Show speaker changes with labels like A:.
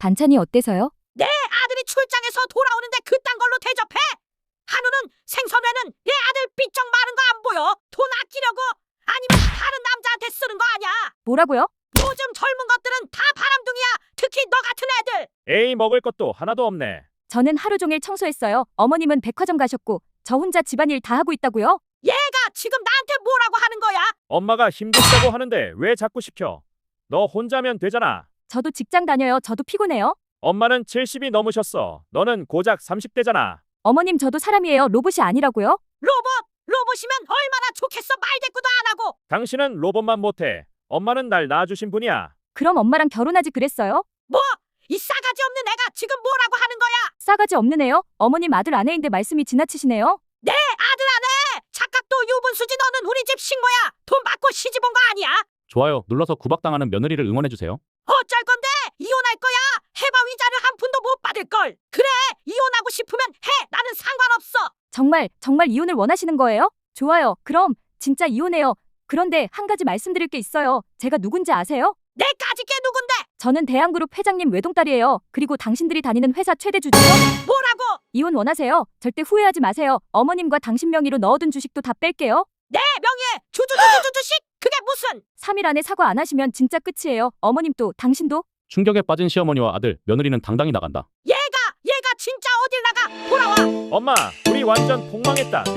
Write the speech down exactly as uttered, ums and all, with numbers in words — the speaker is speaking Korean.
A: 반찬이 어때서요?
B: 내 아들이 출장에서 돌아오는데 그딴 걸로 대접해? 한우는 생선회는 내 아들 삐쩍 마른 거 안 보여? 돈 아끼려고? 아니면 다른 남자한테 쓰는 거 아냐?
A: 뭐라고요?
B: 요즘 젊은 것들은 다 바람둥이야. 특히 너 같은 애들.
C: 에이, 먹을 것도 하나도 없네.
A: 저는 하루 종일 청소했어요. 어머님은 백화점 가셨고 저 혼자 집안일 다 하고 있다고요?
B: 얘가 지금 나한테 뭐라고 하는 거야?
C: 엄마가 힘들다고 하는데 왜 자꾸 시켜? 너 혼자면 되잖아.
A: 저도 직장 다녀요. 저도 피곤해요.
C: 엄마는 칠십이 넘으셨어. 너는 고작 삼십 대잖아.
A: 어머님 저도 사람이에요. 로봇이 아니라고요?
B: 로봇! 로봇이면 얼마나 좋겠어. 말대꾸도 안 하고.
C: 당신은 로봇만 못해. 엄마는 날 낳아주신 분이야.
A: 그럼 엄마랑 결혼하지 그랬어요?
B: 뭐? 이 싸가지 없는 애가 지금 뭐라고 하는 거야?
A: 싸가지 없는 애요? 어머님 아들 아내인데 말씀이 지나치시네요.
B: 내 아들 아내! 착각도 유분수지. 너는 우리 집 식모야. 돈 받고 시집 온 거 아니야?
D: 좋아요 눌러서 구박당하는 며느리를 응원해주세요.
B: 어쩔 건데? 이혼할 거야? 해봐. 위자료 한 푼도 못 받을 걸. 그래, 이혼하고 싶으면 해. 나는 상관없어.
A: 정말 정말 이혼을 원하시는 거예요? 좋아요. 그럼 진짜 이혼해요. 그런데 한 가지 말씀드릴 게 있어요. 제가 누군지 아세요?
B: 내까지 게 누군데?
A: 저는 대한그룹 회장님 외동딸이에요. 그리고 당신들이 다니는 회사 최대 주주요.
B: 뭐라고?
A: 이혼 원하세요? 절대 후회하지 마세요. 어머님과 당신 명의로 넣어둔 주식도 다 뺄게요.
B: 내 명예 주주주주주주식? 그게 무슨?
A: 삼 일 안에 사과 안 하시면 진짜 끝이에요. 어머님도 당신도.
D: 충격에 빠진 시어머니와 아들 며느리는 당당히 나간다.
B: 얘가 얘가 진짜 어딜 나가? 돌아와.
C: 엄마, 우리 완전 폭망했다.